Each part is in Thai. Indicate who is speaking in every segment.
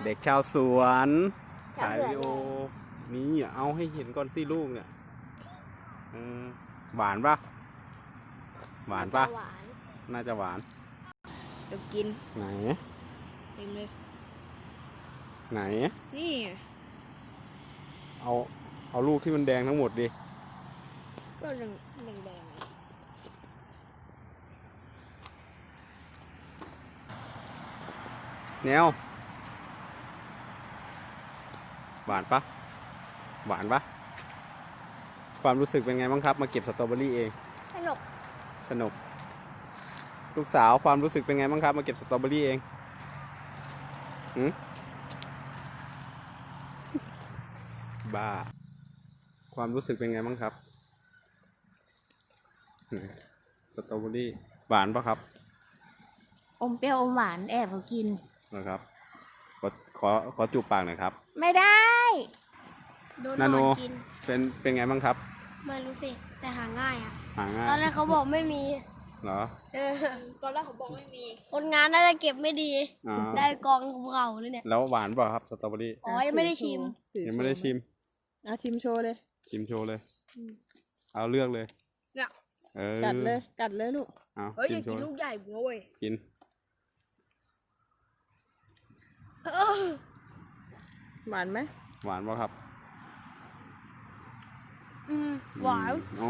Speaker 1: เด็กชาวสวนถ่าย
Speaker 2: ชาวสวน
Speaker 1: วิดีโอนี่เอาให้เห็นก่อนสิลูกเนี่ยหวานปะหวานปะ
Speaker 2: หวาน
Speaker 1: น่าจะหวาน
Speaker 3: เดี๋ยวกิน
Speaker 1: ไหน
Speaker 3: เต็มเลย
Speaker 1: ไหน
Speaker 3: นี่
Speaker 1: เอาลูกที่มันแดงทั้งหมดดิ
Speaker 3: ก็แดงแดง
Speaker 1: แนวหวานปะหวานปะความรู้สึกเป็นไงบ้างครับมาเก็บสตรอเบอรี่เอง
Speaker 2: สนุก
Speaker 1: สนุกลูกสาวความรู้สึกเป็นไงบ้างครับมาเก็บสตรอเบอรี่เองบ้าความรู้สึกเป็นไงบ้างครับสตรอเบอรี่หวานปะครับ
Speaker 2: อมเปรี้ยวอมหวานแอบเขากิน
Speaker 1: นะครับขอจูบปากหน่อยครับ
Speaker 2: ไม่ได้โดน
Speaker 1: นาโน
Speaker 2: กิน
Speaker 1: เป็นไงบ้างครับ
Speaker 2: ไม่รู้สิแต่หาง่ายอ่ะ
Speaker 1: หาง่าย
Speaker 2: ตอนแรกเขาบอกไม่มี
Speaker 1: เหรอ
Speaker 3: ตอนแรกเขาบอกไม่มี
Speaker 2: คนงานน่าจะเก็บไม่ดี
Speaker 1: อ๋อ
Speaker 2: ได้กองภูเขาเลยเนี่ย
Speaker 1: แล้วหวานเปล่าครับสตรอเบอรี่
Speaker 2: อ๋อยังไม่ได้ชิม
Speaker 1: ยังไม่ได้ชิม
Speaker 3: ชิมโชว์เลย
Speaker 1: ชิมโชว์เลยเอาเลือกเลย
Speaker 3: เนี่ย
Speaker 1: กัดเลย
Speaker 3: ลูก
Speaker 1: เอา
Speaker 3: เฮ้ยอ
Speaker 1: ชิ
Speaker 3: ย่าม
Speaker 1: โช
Speaker 3: กิน
Speaker 1: ว์
Speaker 3: ลูกใหญ่เว้ย
Speaker 1: กิน
Speaker 3: หวานไหม
Speaker 1: หวานป่ะครับ
Speaker 2: หวาน
Speaker 1: อ๋อ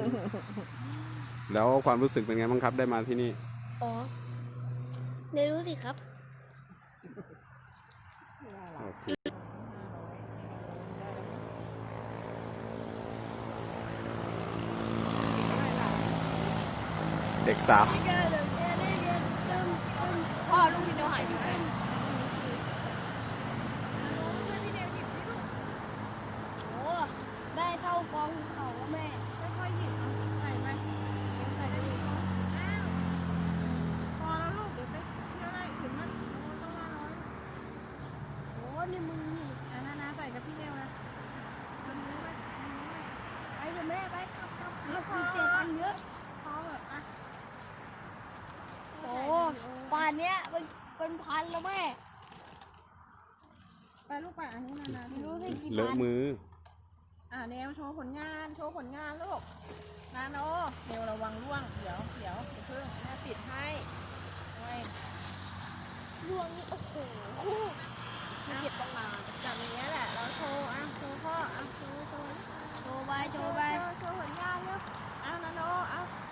Speaker 1: แล้วความรู้สึกเป็นไงบ้างครับได้มาที่นี่
Speaker 2: อ๋อไม่รู้สิครับ
Speaker 1: โอเคเด็กสาว
Speaker 3: พ่อลูกพี่เดียวหายไปไหน
Speaker 2: โอ้ได้เท่ากองภูเขาแล้วแม่
Speaker 3: ค่อยๆหยิบเอาใส่ไปใส่ได้ดีพอแล้วลูกเดี๋ยวไปเที่ยวอะไรถึงมันต้องมาน้อย
Speaker 2: โอ้นี่มึงนี่
Speaker 3: นะใส่กับพี่เดียวนะทำนี้ไป
Speaker 2: ไปเถอะแม่ไปกลับคุณเสียตังค์เยอะ
Speaker 3: พอแบบอ่ะ
Speaker 2: โอ้ป่านเนี้ยเป็นพันแล้วแม่
Speaker 3: ไปลูกไปอันนี้นา
Speaker 2: ไม่รู้สิกี่
Speaker 1: เลอะ
Speaker 2: พัน
Speaker 1: มือ
Speaker 3: แนวโชว์ผลงานลูกนาโนเดี๋ยวระวังร่วงเดี๋ยวเพิ่งแม่ปิดให้ไว้
Speaker 2: ดวงนี่โอ้โห
Speaker 3: เก็บต้องมาจับอย่างเงี้ยแหละแล้วโชว์โชว์พ่อโชว์
Speaker 2: โชว์ไปโชว์ไป
Speaker 3: โชว์ผลงานเร็วนาโน